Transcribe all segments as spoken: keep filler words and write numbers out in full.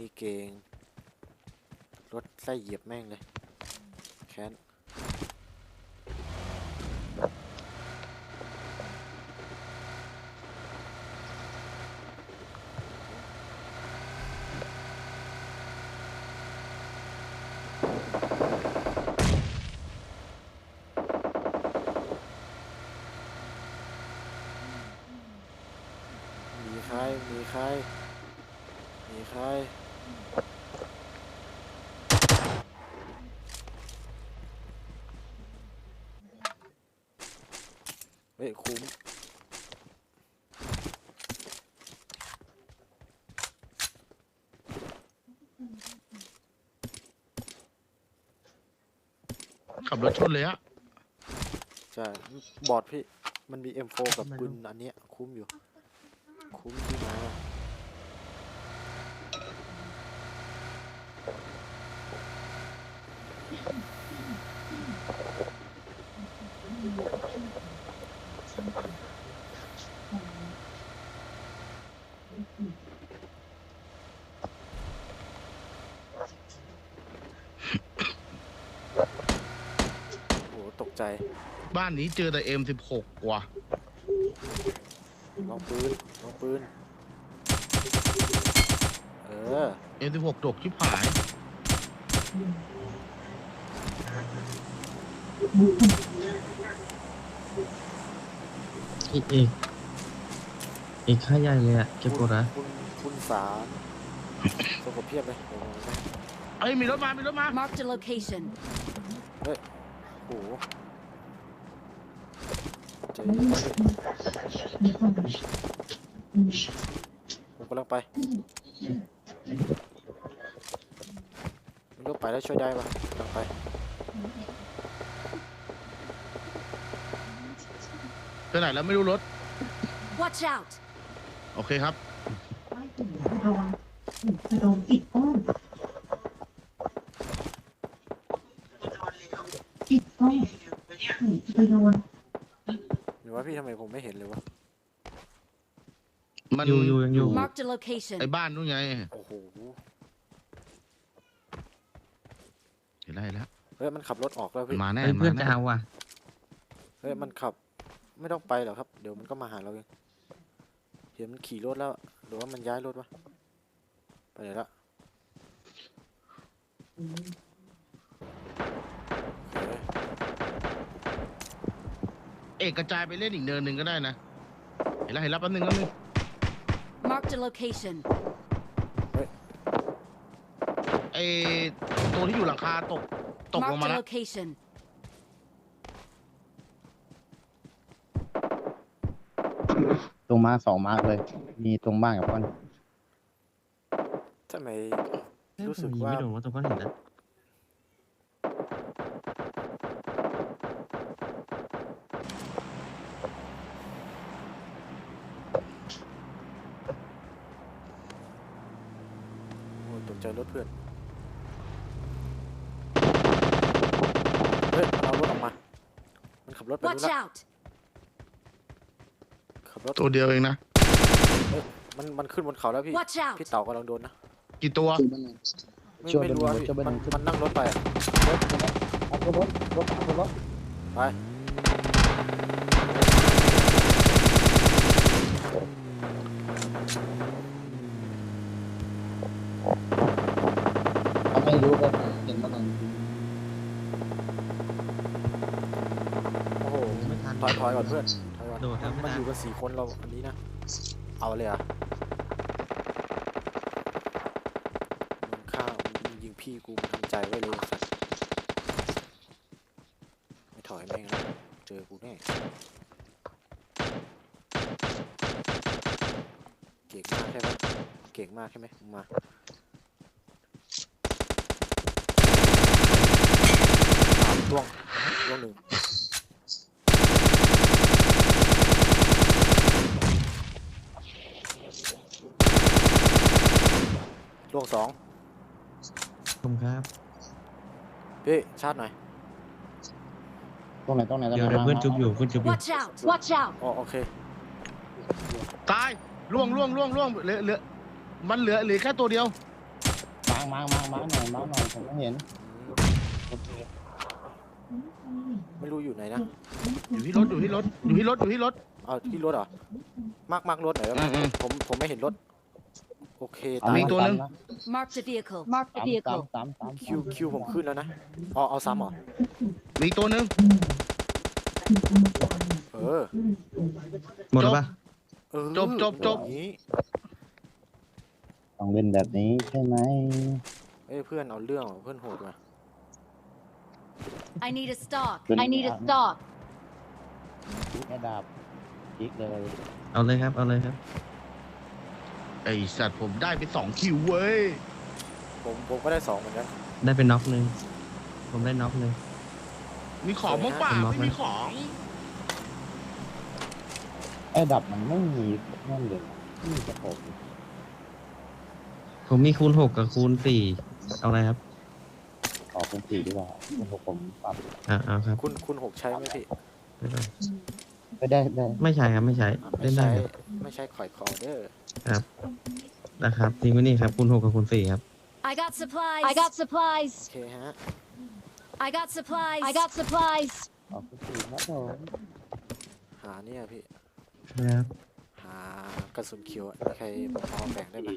เก่งรถไล่เหยียบแม่งเลยแค้นมีใครมีใครมีใครเฮ้ยคุ้มขับรถชนเลยอะใช่บอดพี่มันมี เอ็ม โฟร์ กับปืนอันเนี้ยคุ้มอยู่คุ้มที่มาโอ้ตกใจบ้านนี้เจอแต่ เอ็ม สิบหก ว่ะลองปืนลองปืนเออเอ็ม สิบหก ดกชิบหายอีกอีกอีกค่าใหญ่เลยอะเก็บกดนะคุณคุณสารสกปรกเพียบเลยเดี๋ยวมองนะเอ้ยมีรถมามีรถมา Marked a location. เฮ้ยโอ้โหเจอผมกำลังไปไม่รู้ไปแล้วช่วยได้ปะกำลังไปไปไหนแล้วไม่รู้รถ Watch out. โอเคครับระวังจะโดนปิดอ้อมปิดอ้อมไปโดนหรือว่าพี่ทำไมผมไม่เห็นเลยวะมันอยู่อยู่ยังอยู่ Marked a location. ไอ้บ้านนู้นไงโอ้โหเห็นแล้วเห็นแล้วเฮ้ยมันขับรถออกแล้วพี่มาแน่เฮ้ยมาเพื่อนแน่จะเอาว่ะเฮ้ยมันขับไม่ต้องไปหรอกครับเดี๋ยวมันก็มาหาเราเองเห็นมันขี่รถแล้วหรือว่ามันย้ายรถวะไปไหนละเฮ้ยเอกกระจายไปเล่นอีกเนินหนึ่งก็ได้นะเห็นแล้วเห็นแล้วแป๊บนึงแป๊บนึง Marked a location. ไอ้ตัวที่อยู่หลังคาตกตกลง Marked มา a แล้ว location. ตรงมาสองมาร์กเลย มีตรงบ้านกับก้อนทำไมเฮ้ยรู้ผสึมกยิงว่าไม่โดนว่าตรงก้อนหินนะโอ้ยตกใจรถเพื่อนเฮ้ยมันเอารถออกมามันขับรถไปนู่น Watch ละ out. ขับรถตัวเดียวเองนะมันมันขึ้นบนเขาแล้วพี่ Watch out. พี่เต่ากำลังโดนนะกี่ตัวไม่ช่วยไม่เป็นรู้ว่ารถช่วยเป็นมันรถมันนั่งรถไปอะรถเอาตัวรถรถเอาตัวรถไปเขาไม่รู้ก็เห็นมันนั่งโอ้โหไม่ทันถอยถอยก่อนเพื่อนถอยก่อนโดดครับมันไม่ทันอยู่กันสี่คนเราอันนี้นะเอาเลยอ่ะมึงฆ่ามึงยิงพี่กูมึงทำใจไว้เลยสัตว์ไม่ถอยแม่งนะเจอกูแน่เก่งมากใช่ไหมเก่งมากใช่ไหมมึงมาอ่ะล่วงล่วงหนึ่งล่วงสองผมครับพี่ชาร์จหน่อยตรงไหนตรงไหนตรงเดี๋ยวไหนเดี๋ยวเพื่อนจุบอยู่เพื่อนจุบอยู่ Watch out. Watch out. อ๋อโอเคตายล่วงล่วงล่วงล่วงเหลือเหลือมันเหลือเหลือแค่ตัวเดียวมาร์กมาร์กมาร์กมาร์กหน่อยมาร์กหน่อยผมไม่เห็นอืมโอเคไม่รู้อยู่ไหนนะอยู่ที่รถอยู่ที่รถอยู่ที่รถอยู่ที่รถเอาที่รถเหรอมากมากรถหน่อยได้ไหมอืมอืมผมผมไม่เห็นรถโอเคเอาตายมีตัวหนึ่ง Marked a vehicle. Marked a สาม vehicle. สามสามคิวคิวผมขึ้นแล้วนะอ๋อเอาซ้ำเหรอมีตัวหนึ่งเออหมดแล้วปะเออจบจบจบอย่างนี้ต้องเล่นแบบนี้ใช่ไหมเอ้ยเพื่อนเอาเรื่องว่ะเพื่อนโหดว่ะ I need a stock. เป็น I need a stock. แค่ดาบจิกเลยเอาเลยครับเอาเลยครับไอสัตว์ผมได้ไปสองคิวเว้ยผมผมก็ได้สองเหมือนกันได้เป็นน็อกหนึ่งผมได้น็อกหนึ่งมีของบ้างเปล่าเป็นล็อกไม่ไหมมีของไอ้ดับมันไม่มีนั่นเลยไม่มีกระโปรงผมมีคูณหกกับคูณสี่เอาอะไรครับขอเป็นสี่ดีกว่าเป็นหกผมปรับอ่าเอาครับคุณคุณหกใช้ไหมพี่ไม่เป็นไรไม่ได้ได้ไม่ใช่ครับไม่ใช่อ่ะเล่ไม่นได้ใช้ครับไม่ใช้ข่อยคอเด้อครับนะครับทีมนี้ครับคูณหกกับคูณสี่ครับ I got supplies. I got supplies. โอเคฮะ I got supplies. I got supplies. ขอเป็นสี่ครับผมหาเนี่ยพี่ครับหากระสุนเขียวอะใครพอแบ่งได้ไหม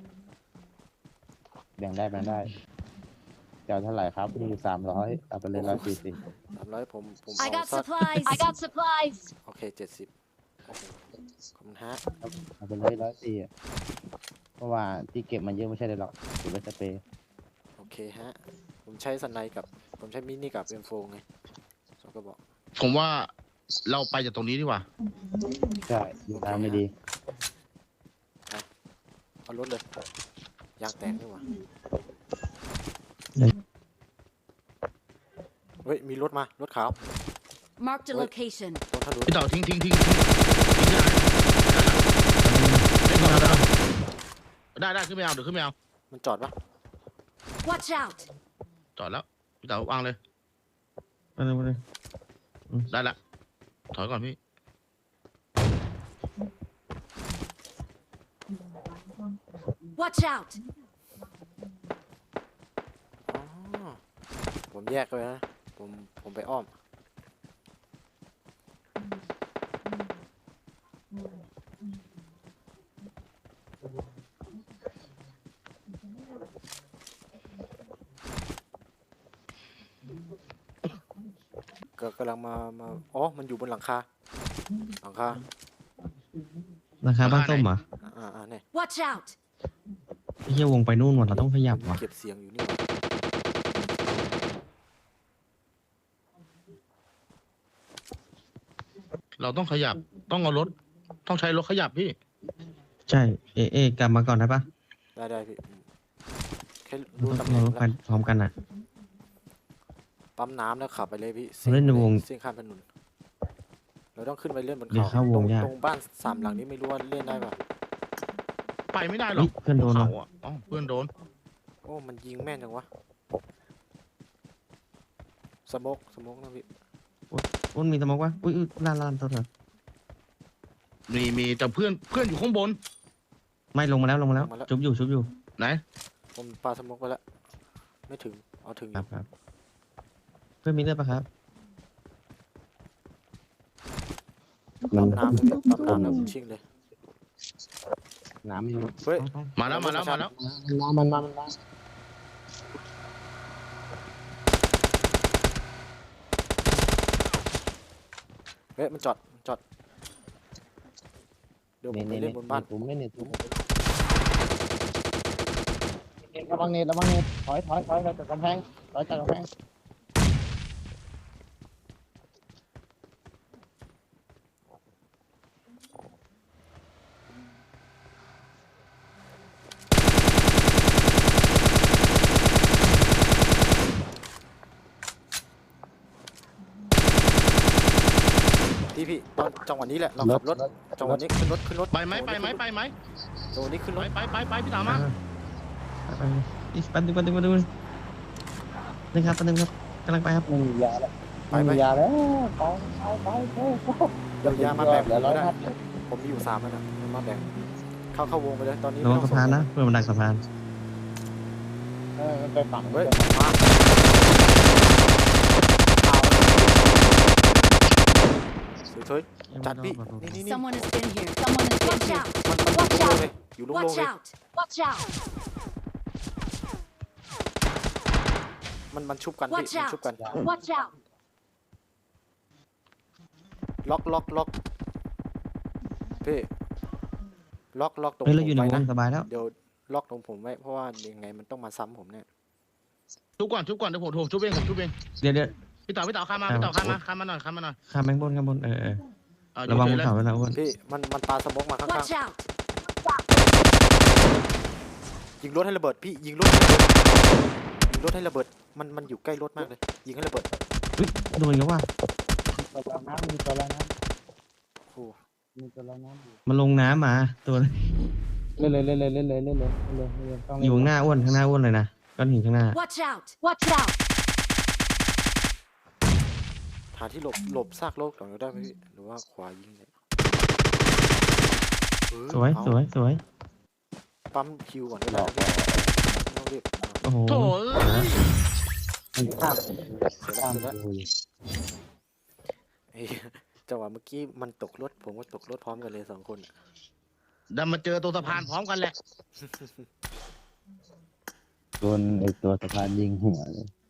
แบ่งได้แบ่งได้เจ้าเท่าไหร่ครับมีอยู่สามร้อยเอาไปเลยร้อยสี่สิบสามร้อยผมผม I เอา got สัก supplies. I got supplies. โอเคเจ็ดสิบโอ้โหขอบคุณฮะเอาไปเลยร้อยสี่อะเพราะว่าที่เก็บมันเยอะไม่ใช่เลยหรอกเก็บไว้สเปรย์โอเคฮะ ผมใช้สไนกับ ผมใช้มินิกับเอ็มโฟไงสองกระบอกผมว่าเราไปจากตรงนี้ดีกว่าใช่ดูทางไม่ดีเอารถเลย ยางแตกนี่หว่าเฮ้ย มีรถมา รถขาว Marked a Wait. location. รถทะลุพี่เต่าทิ้งทิ้งทิ้งทิ้งทิ้งได้ได้แล้วได้ได้ขึ้นไม่เอาเดี๋ยวขึ้นไม่เอามันจอดปะ Watch out. จอดแล้วพี่เต่าวางเลยมาเลยมาเลยได้ละถอยก่อนพี่ Watch out. อ๋อ ผมแยกเลยนะ ผม ผมไปอ้อม ก็กำลังมา มา อ๋อ มันอยู่บนหลังคา หลังคาราคาบ้านส้มเหรออ่าอ่าเนี่ย Watch out. ไอ้เหี้ยวงไปนู่นหมดเราต้องขยับว่ะเก็บเสียงอยู่นี่หว่าเราต้องขยับต้องเอารถต้องใช้รถขยับพี่ใช่เอเอกลับมาก่อนได้ปะได้ได้พี่อืมแค่เรารู้ต้องตำแหน่เรางต้องไปแล้วพร้อมกันอ่ะปั๊มน้ำแล้วขับไปเลยพี่เล่นในวงเส้นข้ามถนนเราต้องขึ้นไปเล่นบนเดี๋ยวเขาเข้าวงตรงยากตรงบ้านสามหลังนี้ไม่รู้ว่าเล่นได้ปะไปไม่ได้หรเฮ้อย กเพื่อนโดนเขาว่ะอ่ะอ๋อเพื่อนโดนโอ้ มันยิงแม่นจังวะ สโมกสโมกนะพี่อุ้นมีสมองวะอุ้ยอุ้ยลานลานตัวเถอะมีมีแต่เพื่อนเพื่อนอยู่ข้างบนไม่ลงมาแล้วลงมาแล้วชุบอยู่ชุบอยู่ไหนผมปาสโมกไปแล้ว ไม่ถึง เอาถึงอครัยู่บครับเพื่อนมีเลือดปะครับมัปั๊นมน้ำเลยพี่ปั๊มน้ำแล้วชิงเลยน้ำมันเฮ้ยไปมาแล้วมาแล้วมาแล้วน้ำมันมามันมาเฮ้ย มันจอดมันจอด เดี๋ยวผมไปเน็ตเล่นบนบ้านผมไม่เน็ตผมระวังเน็ตระวังเน็ตถอยถอยถอยถอยจากกำแพงถอยจากกำแพงพี่พี่ตอนจังหวะนี้แหละ เราขับรถ จังหวะนี้ขึ้นรถขึ้นรถไปไหมไปไหมไปไหมจังหวะนี้ขึ้นรไปถไปไปไปพี่เต่ามาไปไปอีกแปันดึงแปันดึงแปันดึงนี่ครับแปันดึงครับกำลังไปครับไม่มียาแล้วไปไม่ไปมียาแล้วไปไปไปไปเดี๋ยวยามาแบ่งผเหลือมร้อก็ยได้นัดผมมีอยู่สามแล้วนะเอามาแบ่ง เข้าเข้าวงไปเลย ตอนนี้ระวังไม่สะต้องพานส่งนะเพื่อนมันดักสะพานเออมันไปฝั่งเฮ้ยไปฝั่งมาเอาเฮ้ยๆจัดพี่นี่นี่นี่ Someone has been here. Someone has been Watch here. out มันมัน Watch อยู่โล่ง out เลยอยู่โล่งๆ Watch เลย out! Watch out! มันมันชุบกันพี่ Watch มัน out ชุบกัน Watch out! ล็อกล็อกล็อกพี่ล็อกล็อกตรงผเฮ้ยมเราอยู่ในไว้วนะงสบายแล้วเดี๋ยวล็อกตรงผมไว้เพราะว่ายังไงมันต้องมาซ้ำผมเนี่ยชุบก่อนชุบก่อนเดี๋ยวผมโถชุบเองผมชุบเองเดี๋ยวเดี๋ยวพี่ต่อพี่ต่อข้ามมาพี่ต่อข้ามมาข้ามมาหน่อยข้ามมาหน่อยข้ามแบงค์บนข้ามบนเออเออเอาอระยู่วังเฉบยนเลยเขาไว้นะอ้วนพี่มันมันปาสโมกมาข้าง Watch out! ๆยิงรถให้ระเบิดพี่ยิงรถให้ระเบิดยิงรถให้ระเบิดมันมันอยู่ใกล้รถมากเลยยิงให้ระเบิดอุ้ยโดนกันว่าตัวละน้ำมีตัวละน้โอ้ำมีตัวละน้ำอยู่มันลงน้ำมาตัวเล่นเลยเล่นเลยเล่นเลยเล่นเลยเล่นเลยเล่นเลยต้องอเล่นยู่ข้างหน้าอ้วนข้างหน้าอ้วนเลยนะก้อนหินข้างหน้า Watch out! Watch out! หาที่หลบหลบซากโลกก่อนก็ได้ไหมพี่หรือว่าขวายิงเนี่ยเออสวยเอาสวยสวยปั๊มคิวก่อนก็หลได้อกนะไม่ต้องรีบอ่ะโอ้โหโถเอ้ยมันข้ามเสร็จแล้วข้ามเสร็จแล้วดูเฮ้ยจังหวะเมื่อกี้มันตกรถผมก็ตกรถพร้อมกันเลยสองคนอะดันมาเจอตัวสะพานพร้อมกันแหละโดนไอตัวสะพานยิงหัวเลย